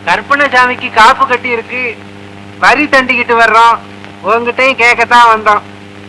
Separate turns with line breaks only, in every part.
கற்பனசாமிக்கு காப்பு கட்டி இருக்கு, வரி தண்டிக்கிட்டு வர்றோம். உங்ககிட்டையும் கேட்கத்தான் வந்தோம்.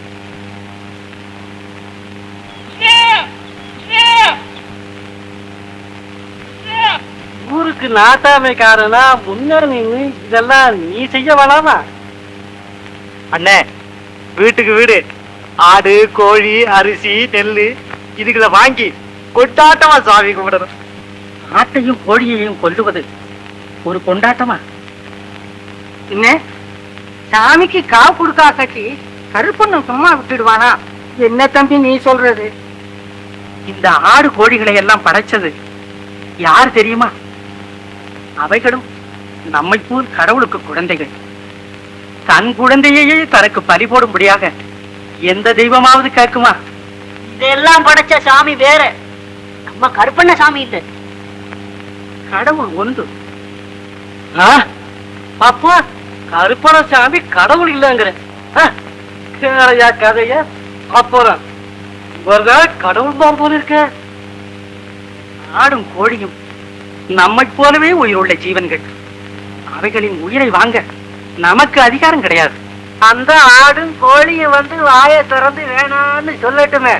ஊருக்கு நாட்டாமைக்காரனா முன்ன நின்று இதெல்லாம் நீ செய்ய வேணாமா?
அண்ணே, வீட்டுக்கு வீடு ஆடு கோழி அரிசி நெல்லு இதுகளை வாங்கி கொண்டாட்டமா சாமி கும்பிடணும்.
ஆட்டையும் கோழியையும் கொல்லுவது ஒரு கொண்டாட்டமா?
என்ன சாமிக்கு காவு கொடுக்கா கட்டி கருப்பண்ண சும்மா விட்டுடுவானா? என்ன தம்பி நீ சொல்றது?
இந்த ஆடு கோழிகளை எல்லாம் படைச்சது யார் தெரியுமா? அவைகளும் நம்மை போல் கடவுளுக்கு குழந்தைகள். தன் குழந்தையே தனக்கு பறி போடும்படியாக எந்த தெய்வமாவது கேட்குமா?
இதெல்லாம் படைச்ச சாமி வேற, நம்ம கருப்பண்ண சாமி இல்ல.
கடவுள் ஒன்று. அப்பா, கருப்பண சாமி கடவுள் இல்லைங்கிற கேளையா கதைய? அப்புறம் கடவுள் தான் போல இருக்க. ஆடும் கோழியும் நம்மை போலவே உயிருள்ள ஜீவன்கள். அவைகளின் உயிரை வாங்க நமக்கு அதிகாரம் கிடையாது.
அந்த ஆடும் கோழியும் வந்து வாயை திறந்து வேணான்னு சொல்லட்டுமே.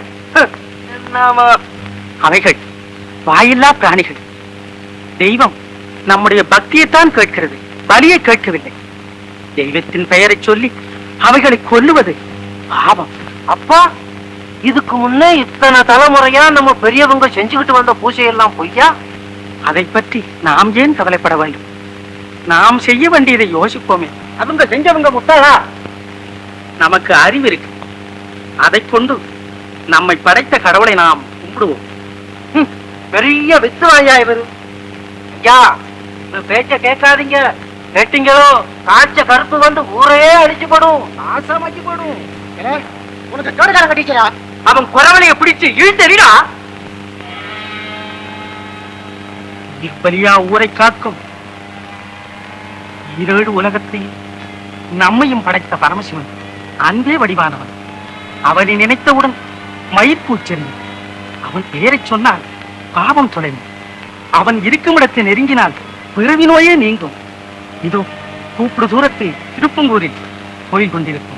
அவைகள் வாயில்லா பிராணிகள். தெய்வம் நம்முடைய பக்தியைத்தான் கேட்கிறது, பலியை கேட்கவில்லை. தெய்வத்தின் பெயரை சொல்லி அவைகளை கொல்லுவது பாவம்.
அப்பா, இதுக்கு முன்னே இத்தனை தலைமுறையா நம்ம பெரியவங்க செஞ்சுக்கிட்டு வந்த பூஜையெல்லாம் பொய்யா?
அதை பற்றி நாம் ஏன் கவலைப்பட வேண்டும்? நாம் செய்ய வேண்டியதை யோசிப்போமே.
அவங்க செஞ்சவங்க முட்டாளா?
நமக்கு அறிவு இருக்கு. அதை கொண்டு நம்மை படைத்த கடவுளை நாம் கும்பிடுவோம்.
பெரிய வித்துவாயா இவரு. ஐயா, பேச்ச கேட்காதீங்க. கேட்டீங்களோ காய்ச்ச கருப்பு வந்து ஊரே அடிச்சு போடும், நாசமாக்கி போடும்.
உனக்கு தோடுகாரம் கட்டிக்கிறா?
அவன் குறவனைய பிடிச்சு இழுத்தறிடா. இப்பலியா ஊரை காக்கும் ஈரேழு உலகத்தையும் நம்மையும் படைத்த பரமசிவன் அன்பே வடிவானவன். அவனை நினைத்தவுடன் மயிர்பூச்செறியும். அவன் பெயரை சொன்னால் பாவம் தொலையும். அவன் இருக்கும் இடத்தை நெருங்கினால் பிறவி நோயே நீங்கும். இதோ கூப்பிடு தூரத்தில் திருப்பங்கூரில் கோயில் கொண்டிருக்கும்